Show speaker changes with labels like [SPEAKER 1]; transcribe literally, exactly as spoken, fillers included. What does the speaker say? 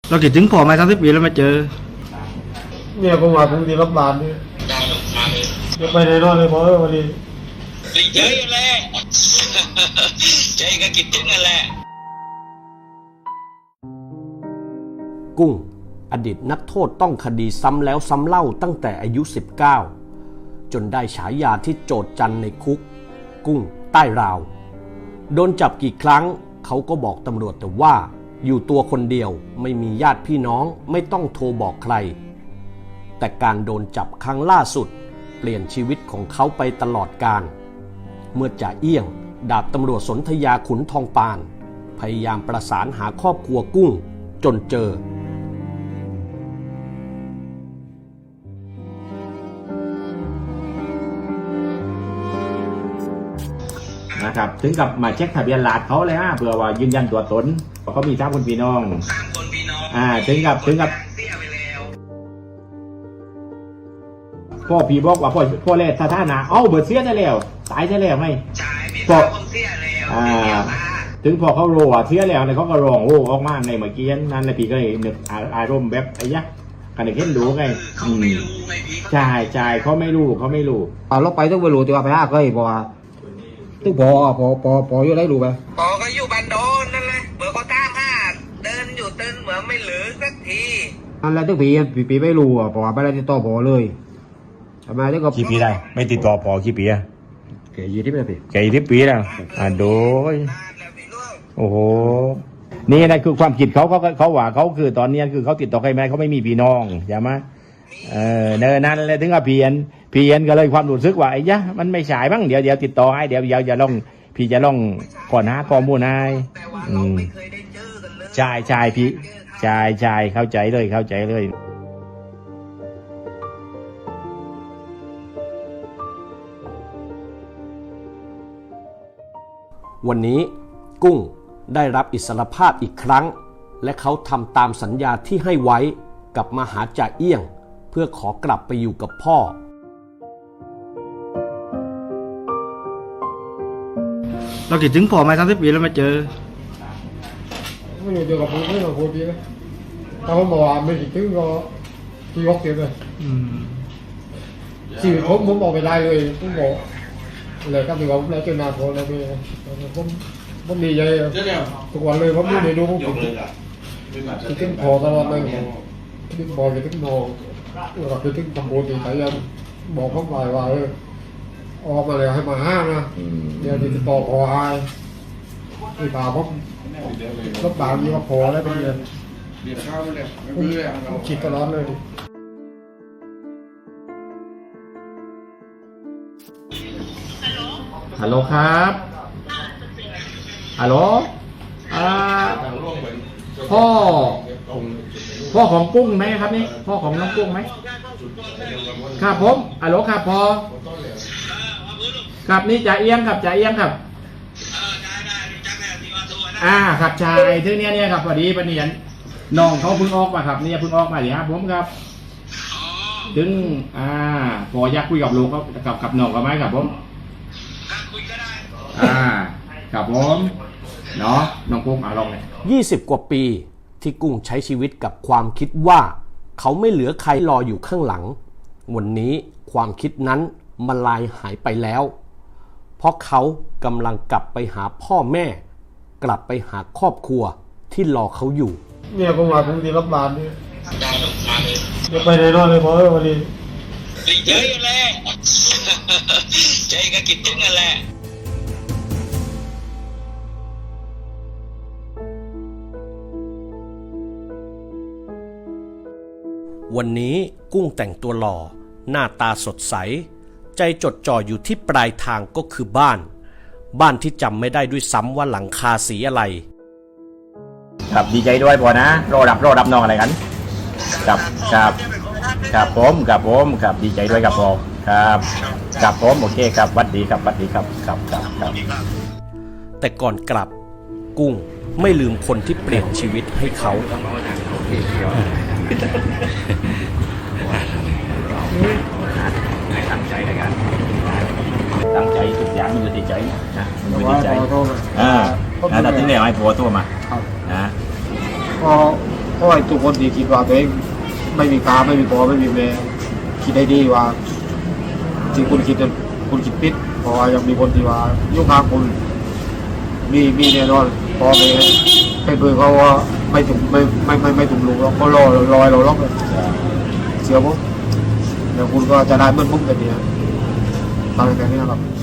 [SPEAKER 1] เราคิดถึงพ่อไหมสามสิบปีแล้วมาเจอ
[SPEAKER 2] เนี่ยผมว่าผมดีรับบานนี่จะไปไหนนอนเลยพอวันนี้
[SPEAKER 3] ดีใจแหละใจก็คิดถึงนั่นแหละ
[SPEAKER 4] กุ้งอดีตนักโทษต้องคดีซ้ำแล้วซ้ำเล่าตั้งแต่อายุสิบเก้าจนได้ฉายาที่โจษจันในคุกกุ้งใต้ราวโดนจับกี่ครั้งเขาก็บอกตำรวจแต่ว่าอยู่ตัวคนเดียวไม่มีญาติพี่น้องไม่ต้องโทรบอกใครแต่การโดนจับครั้งล่าสุดเปลี่ยนชีวิตของเขาไปตลอดกาลเมื่อจ่าเอี้ยงดาบตำรวจสนธยาขุนทองปานพยายามประสานหาครอบครัวกุ้งจนเจอ
[SPEAKER 5] นะครับถึงกับมาเช็คทะเบียนหลาดเขาเลยฮะเพื่อว่ายืนยันตัวตนว่าเขามีสามคนพี่น้อง
[SPEAKER 3] สามคนพี่น้อง
[SPEAKER 5] อ่าถึงกับถึงกับ
[SPEAKER 3] เสียไปแล้ว
[SPEAKER 5] พ่อพี่บอกว่าพ่อพ่อแรกสถานะเอ้าเบิดเสียได้แล้วตายได้แล้วไหม
[SPEAKER 3] ใช่พี่สาวผมเสียแล้ว
[SPEAKER 5] อ่าถึงพอเขาโรว่าเสียแล้วเนี่ยเขาก็ร้องโอ้ออกมาในเมื่อกี้นั้นนะพี่ก็เลยนึกอารมณ์แบบไอ้ยะกันเห็นดูไง
[SPEAKER 3] เขาไม่รู้ไงพี่
[SPEAKER 5] ใช่ใช่เขาไม่รู้เขาไม่รู้
[SPEAKER 2] อ่าเราไปต้องไปรู้แต่ว่าไปห้าเคยบอกว่าตึ้งพอพอพอพออยู่ได้รู้ไหม
[SPEAKER 3] พอก็อยู่บันโดนนั่นแหละเมื่อเขาตามหาเดินอยู่เดินเหมือนไม่เหลือสักที
[SPEAKER 2] อันแรกตึ้งปีปีปีไม่รู้อ่ะเพราะว่าไม่ได้ติดต่อพอเลยทำไมตึ้งก็
[SPEAKER 5] กี่ปีได้ไม่ติดต่อพอกี่ปีอะ
[SPEAKER 2] เกี่ยยี่สิบปี
[SPEAKER 5] เกี่ยยี่สิบปีแล้วอ่าโดยโอ้โหนี่นะคือความคิดเขาเขาเขาว่าเขาคือตอนนี้คือเขาติดต่อใครไม่ได้เขาไม่มีพี่น้องใช่ไหมเออเนินนั้นเลยถึงกับเพียนเพียนก็เลยความรู้สึกว่าไอ้ยะมันไม่ฉายบ้างเดี๋ยวเดี๋ยวติดต่อให้เดี๋ยวเดี๋ยวจะลองพี่จะลองก่อนหาข้อมูลให้อืมใช่ใช่พี่ใช่ใช่เข้าใจเลยเข้าใจเลย
[SPEAKER 4] วันนี้กุ้งได้รับอิสรภาพอีกครั้งและเขาทำตามสัญญาที่ให้ไว้กับมหาจ่าเอี้ยงเพื่อขอกลับไปอยู่กับพ่อ
[SPEAKER 1] เราคิดถึงพ่อไหมสามสิบปีแล้วมาเจอ
[SPEAKER 2] ไม่รู้เดี๋ยวกับผมไม่รู้คนดีนะถ้าผมบอกว่าไม่คิดถึงก็ที่ยกเสียเลยชีวิตผมผมบอกไปได้เลยผมบอกเลยครับที่ว่าผมแล้วเจอหน้าผมแล้วไปผมผมดีใจทุกวันเลยผมไม่ได้ดูผมคิดถึงพอตลอดเลยคิดถึงพอคิดถึงพอเราคิดถึงตำรวจที่ไหนยังบอกเขาไปว่าเออออกมาเลยให้มาห้ามนะเดี๋ยวติดต่อพอให้ที่ป่าผมรถบางยี่ว่าพอแล้วไปเรียนผมคิดตลอดเลย
[SPEAKER 5] ฮัลโหลครับฮัลโหลอ่าพ่อพ่อของกุ้งไหมครับนี่พ่อของน้องกุ้งไหมครับผมฮัลโหลครับพ่อครับนี่จ่าเอี้ยงครับจ่าเอี้ยงครับอ่าครับชายที่เนี้ยเนี่ยครับพอดีปะเนียนน้องเขาเพิ่งออกมาครับเนี่ยเพิ่งออกมาเดี๋ยวครับผมครับถึงอ่าพออยากคุยกับลูกเขากับกับน้องเขาไหมครับผมอ่าครับผมเนาะน้องกุ้งอ่ะลองเลย
[SPEAKER 4] ยี่สิบกว่าปีที่กุ้งใช้ชีวิตกับความคิดว่าเขาไม่เหลือใครรออยู่ข้างหลังวันนี้ความคิดนั้นมันลายหายไปแล้วเพราะเขากำลังกลับไปหาพ่อแม่กลับไปหาครอบครัวที่รอเขาอยู่
[SPEAKER 2] เนี่ยผมว่าผมดีรับบานนี่จะไปไหนนอนเลยพอวันนี้
[SPEAKER 3] ดีใจแหละใจก็คิดถึงนั่นแหละ
[SPEAKER 4] วันนี้กุ้งแต่งตัวหล่อหน้าตาสดใสใจจดจ่ออยู่ที่ปลายทางก็คือบ้านบ้านที่จำไม่ได้ด้วยซ้ำว่าหลังคาสีอะไร
[SPEAKER 5] ครับดีใจด้วยพอนะรอรับรอรับน้องอะไรกันครับครับครับผมครับผมครับดีใจด้วยครับพอครับครับผมโอเคครับวัดดีครับวัดดีครับครับครับครับ
[SPEAKER 4] แต่ก่อนกลับกุ้งไม่ลืมคนที่เปลี่ยนชีวิตให้เขา
[SPEAKER 5] ตั้งใจในการตั้งใจทุกอย่างมันอยู่ที่ใจนะอยู่ที่ใจอ่าแล้วถึงได้ให้ผัวตัวมานะ
[SPEAKER 2] พอเพราะว่าทุกคนที่คิดว่าตัวเองไม่มีค่าไม่มีพ่อไม่มีแม่คิดได้ดีว่าที่คุณคิดนั้นคุณคิดผิดเพราะว่ายังมีคนที่ว่ายุ่งข้างคุณมีมีแน่นอนพ่อแม่เป็นเพื่อนเขาว่าไม่ถึงไม่ไม่ไม่ไม่ถึงลุงหรอกเขารอรอยเราล็อกเลยเสียผมแล้วคุณก็จะได้เหมือนผมแบบนี้ตอนแค่นี้ครับ